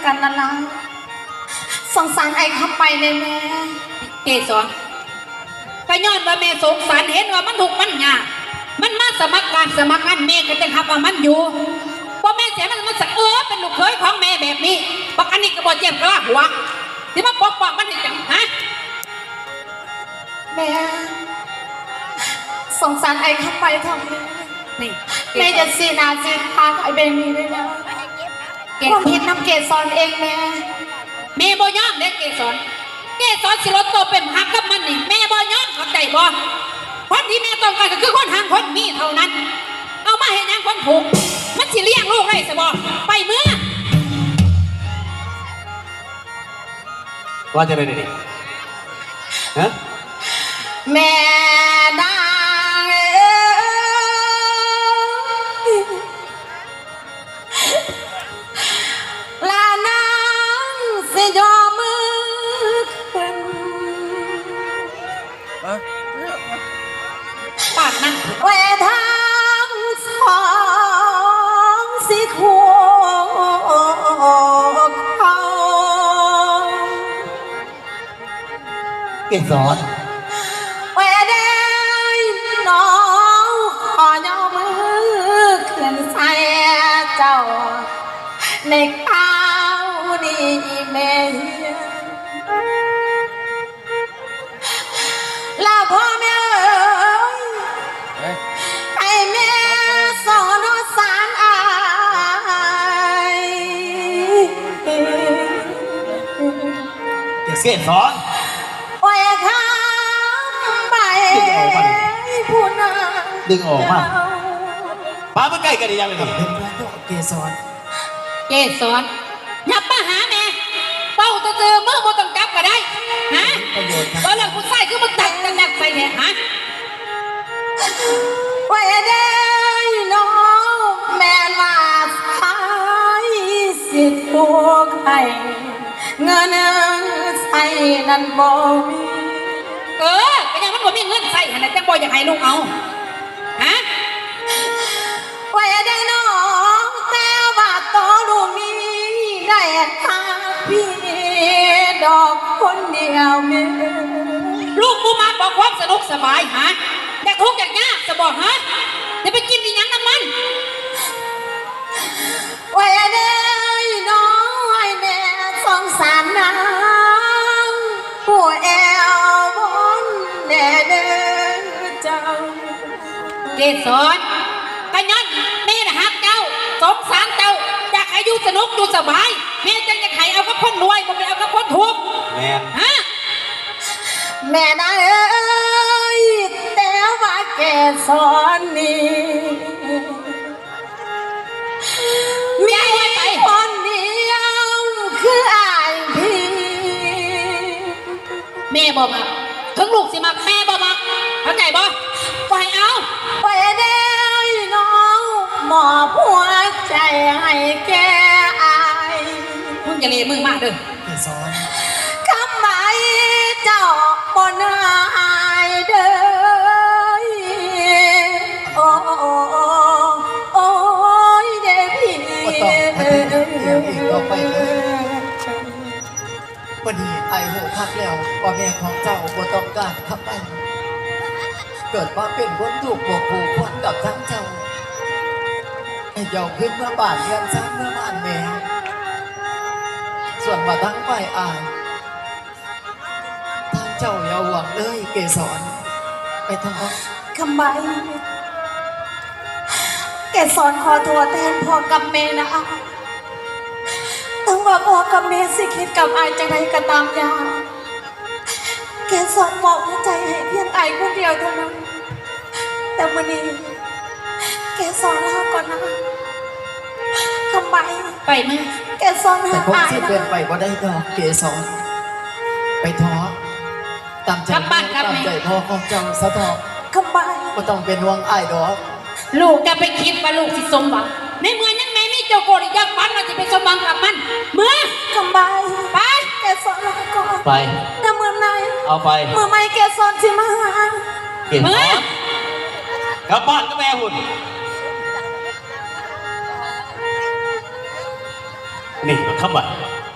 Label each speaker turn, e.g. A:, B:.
A: กันนั่นล่ะสงสารไอ้เข้าไปเลยแม่
B: เกศรก็ย้อนว่าแม่สงสารเห็นว่ามันถูกมันยากมันมาสมัครการสมัครงานแม่ก็จะทำว่ามันอยู่พอแม่เสียมันสักเป็นลูกเคยของแม่แบบนี้บักอันนี้ก็บอกเจ็บกระหัวที่มาปกป้องมันนี่จังฮะ
A: แม่สงสารไอ้เข้าไปทำไม
B: นี่
A: แม่จะสีนาสีทางไอ้เบนนี้ด้วยนะความผิดน้ำเกศรเองแม่
B: บ่ยอมเด็กเกศรสิรถโตเป็นหักกับมันนี่แม่บ่ยอมเข้าใจบ่คนที่แม่ต้องการก็คือคนทางคนมีเท่านั้นเอามาเห็นยังคนถูกมันสิเลี้ยงลูกได้สิบ่ไปเมื่อ
C: ว่าจะได้ดิฮะ
A: แม่นางลานางสิยอมมือขึ้น
B: ปากนั่ง
A: เวทางสองสิคู่เขา
C: เกศร
A: เวเดยน้องขอยอมือขึ้นใส่เจ้าในข้าวนี้แม่ลาพ่อแม่ให้แม่สอนสารอาย
C: เกศร
A: โอ้ยข้ามไปผู้นำ
C: ดึงออกมาป้าเมื่อใกล้กันได้ยังไงเกศร
B: ยับมาหาแม่เป้าจะเจอเมื่อบ่ต้องกลับก็ได้ฮะตอนหลังผู้ชายคือมันตักใส่แท้ฮะ
A: ไว้ได้น้องแม่ว่าสายสิทธิ์พวกให้เงินใส่นั่นบ่มี
B: ก็ยังมันบ่มีเงินใส่ขนาดจังบ่อยากให้ลูกเอาฮะ
A: ไว้ได้น้องแต่ว่าตัวลูกนี้ได้หาพี่ดอกคนเดียวแม่
B: ลูกกูมาบอกความสนุกสบายฮะแต่ทุกอย่างยากจะบอกฮะจะไปกินอีหยังน้ำมัน
A: ไว้ได้น้องให้แม่สงสารนางผู้แอวบนแน่เด้อเจ้า
B: เกศรกะย้อนแม่นะฮักเจ้าสงสารเจ้าอยากให้อยู่สนุกอยู่สบายแม่จังอยากให้เอากับคนรวยบ่ไปเอากับคนทุกข์
C: แม่
B: ฮะ
A: แม่นะเอ้ยแต่ว่าแกสอนนี่มีคนเดียวคืออายพี่
B: แม่บอกมาถึงลูกสิมาแม่บอกมาเข้าใจบ่ปล่อยเอา
A: ไปได้น้องหมอบหัวใจให้แกอาย
B: มึงอย่าเลมึงมากเด้อ
C: เกศร
A: คำหมายเจ้าบนหายเด้อโอ้โอ้ยเด้พี่
C: ต่อไปวันนี้ไอ้โหคักแล้วว่าแม่ของเจ้าบ่ต้องการขับไปเกิดมาเป็นคนถูกบวกผูกพันกับทั้งเจ้าไอ้เจ้าขึ้นมาบ้านเรียนซ้ำเมื่อบ้านแม่ส่วนมาทั้งฝ่ายอายทางเจ้าอย่าหวังเลยเกศรไปทอง
A: คำใบแกสอนขอโทษแทนพ่อกับแม่นะต้องว่าพ่อกับแม่สิคิดกับอายจังไรก็ตามยาแกสอนบอกหัวใจให้เพียงอายคนเดียวเท่านั้นแต่วันนี้แกสอนเราก่อนนะคำใบ
B: ไปไหม
A: แกสอนหา
C: อายนะเป็นไปก็ได้ดอกเกศรไปท้อตามใจพ่อของเจ้าสะทอ
A: คำใบ
C: ก็ต้องเป็นห่วงอายดอก
B: ลูกจะไปคิดว่าลูกสิสมหวังในเมื่อยังแม่มีเจ้าโกรธยักษ์ฟันมาจะไปสมหวังกับมันเมื่อ
A: คำใบ
B: ไป
A: แกสอนเราก่อน
C: ไป
A: แต่เมื่อไหร่
C: เอาไป
A: เมื่อไม่แกสอนสิมาหา
C: เมื่อกลับบ้านก็แม่หุ่น
D: นี่มันคำว่า